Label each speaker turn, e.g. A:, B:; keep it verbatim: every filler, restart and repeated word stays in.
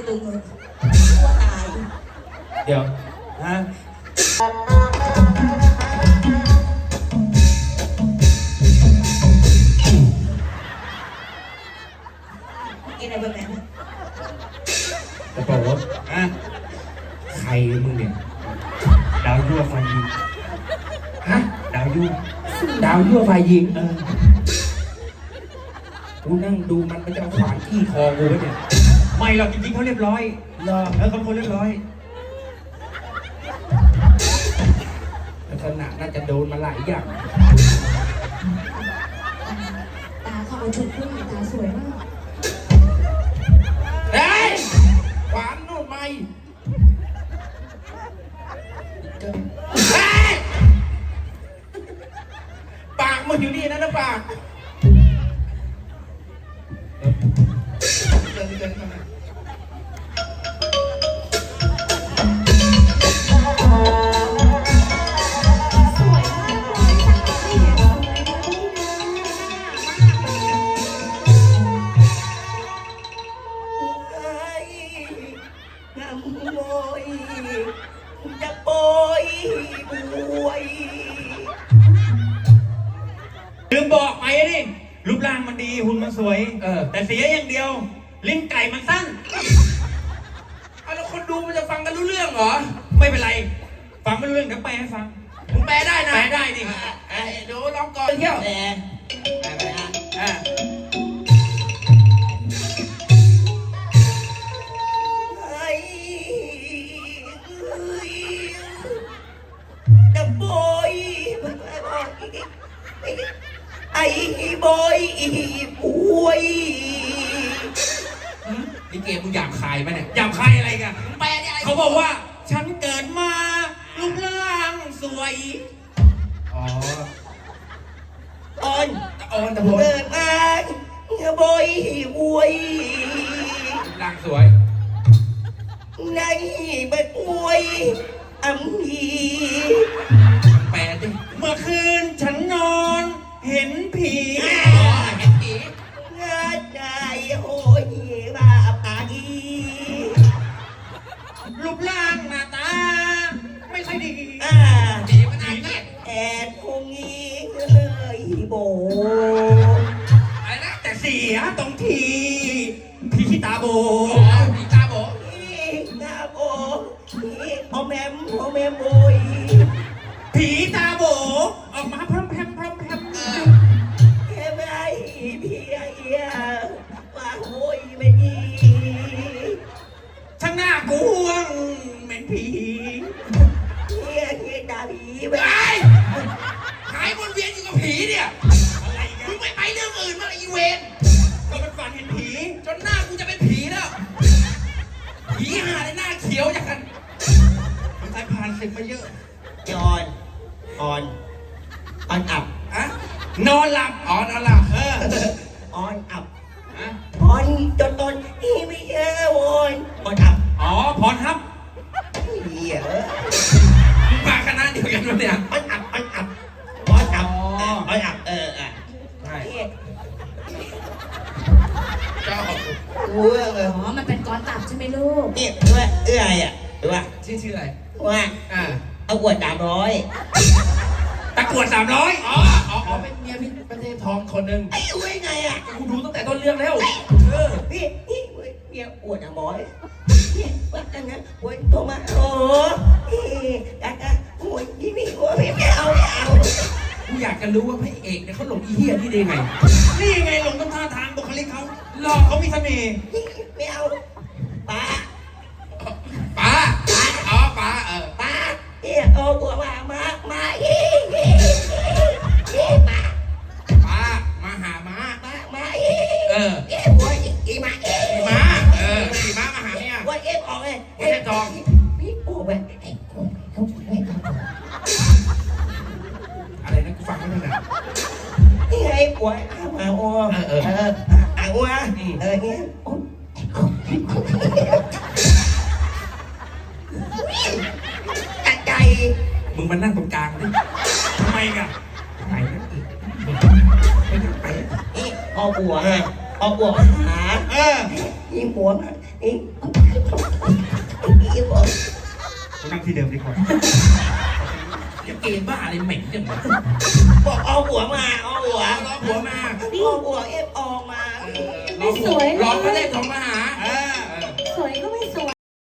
A: ลึงเลยว่าตาย
B: เดี๋ยวฮะ
A: กินอะไรแบบนั้น
B: กระเป๋าฮะใครมึงเนี่ยดาวยั่วไฟยิงฮะดาวยั่วดาวยั่วไฟยิงเออกูนั่งดูมันมันจะเอาขวานที่คอกูไว้เนี่ยไม่หรอกจริงๆเขาเรียบร้อยรอแล้วเขาคนเรียบร้อยลักษณะน่าจะโดนมาหลายอย่าง
A: ตาเขาเอาชุดผู้หญิงตาสวยมาก
B: เฮ้ยขวานนู่นไม่เฮ้ยปากมึงอยู่นี่นะนะปากเดินเดินมาลืมบอกไปดิรูปร่างมันดีหุ่นมันสวยเออแต่เสียอย่างเดียวลิ้นไก่มันสั้นเอาแล้วคนดูมันจะฟังกันรู้เรื่องเหรอไม่เป็นไรฟังไม่รู้เรื่องเดี๋ยวแปลให้ฟังผมแปลได้นะแปลได้ดิเดี๋ยวลองก่อนเที่ยวแปลแปลไปนะอ่า
A: ไอ้บอยป่วย
B: นี่เกมมึงหยาบคายไหมเนี่ยหยาบคายอะไรกันแปลอะไรเขาบอกว่าฉันเกิดมารูปร่างสวยอ๋อ
A: อ่อน
B: อ่อนแต่ผม
A: เกิดมาบอยป่วย
B: ร่างสวย
A: ในบัดป่วยอัมพี
B: แปลดิเมื่อคืนฉันนอนเห็นผีเห็นผี
A: เงยใจโหยบาปากี
B: รูปร่างหน้าตาไม่ค่อยดี
A: อ่า
B: ดีมันดีเนี่ย
A: แอดคงงี้เลยโบ
B: อะไรนะแต่เสียตรงทีผีตาโบผีตาโบ
A: ผีตาโบผีพอแมมพอแมมโบย
B: ผีตาโบออกมาพร้อมแพมพร้อมแพม
A: แค่ไม่พี่เอียว่าโหยไม่ดี
B: ช่างหน้ากวงเหม็นผี
A: เฮียเฮียด่าผีไป
B: หายวนเวียนอยู่กับผีเนี่ยอะไรกันมึงไม่ไปเรื่องอื่นมาอีเวนก็เป็นฝันเห็นผีจนหน้ากูจะเป็นผีแล้วผีหาในหน้าเขียวอย่างกันมันตายผ่านศึกมาเยอะ
A: ยอนออนออนอับ
B: อะนอนหลับอ๋อนอนหลับเออ
A: ออนอับอะออนจนตอนนี่ไม่เจอวอนออนอับ
B: อ๋อพรฮับ
A: เหี้ย
B: มาคณะเดียวกันวะเนี่ย
A: ออนอับออนอับออนอับออนอับเอออ่ะ
B: ใช่
A: เจ้าเอื้อ
C: อ๋อมันเป็นก้อนตับใช่ไหมลูก
A: นี่เอื้อเอื้ออ่ะดูว่า
B: ชื่อชื่ออะไร
A: ว่า
B: อ่า
A: เอาอวดสามร้อย
B: ตะกรวดสามร้อยอ๋ออ๋อเป็นเมียพี่ประเทศทองคนหนึ่ง
A: ไอ้อวยไงอ่ะ
B: กูดูตั้งแต่ต้นเรื่องแล้วเออ
A: พี่พี่เมียอวดสามร้อยเนี่ยว่ากันนะอวดโทรมาโอ้ยดักดักอวดพี่พี่อวดพี่ไม่เอาไม่เอา
B: กูอยากจะรู้ว่าพระเอกเนี่ยเขาหลงอีเหี้ยนี่ได้ไงนี่ไงหลงต้นท่าทางบุคลิกเขาหล่อเขามีเสน่ห์
A: ไม่เอาป้า
B: ป้าอ๋อป้าเออ
A: ป้าเอี่ยโอ้บัวมามามาอีป้า
B: ป้ามาหาม้า
A: มามาอี
B: เออ
A: เอี่ยบัวอีมาเอี่
B: ยม้าเอออีม้ามาหาเนี่ย
A: บัวเอี่ยออกเลย
B: บัวเอี่ยทอง
A: พี่โอ้ไป
B: อะไรนะกูฟังไม่ถนัด
A: นี่ไงบัวอามาโอ้
B: เออเออ
A: อาวัวเออเนี่ยตัดใจ
B: มึงมานั่งตรงกลางดิทำไมกันไหนนั่งอีกไม่นั่งไป
A: นี่พอบัวพอบัวหา
B: เออ
A: นี่บัวนี่
D: นั่งที่เดิมดีกว่า
B: อย่าเกณฑ์บ้าอะไรเหม็นจังวะ
A: บอกเอาหัวมาเอาหัว
B: รอผัวมา
A: เอาหัวเอฟออกมา
B: รอผัวรอพระเทพทองมาหา
A: เอ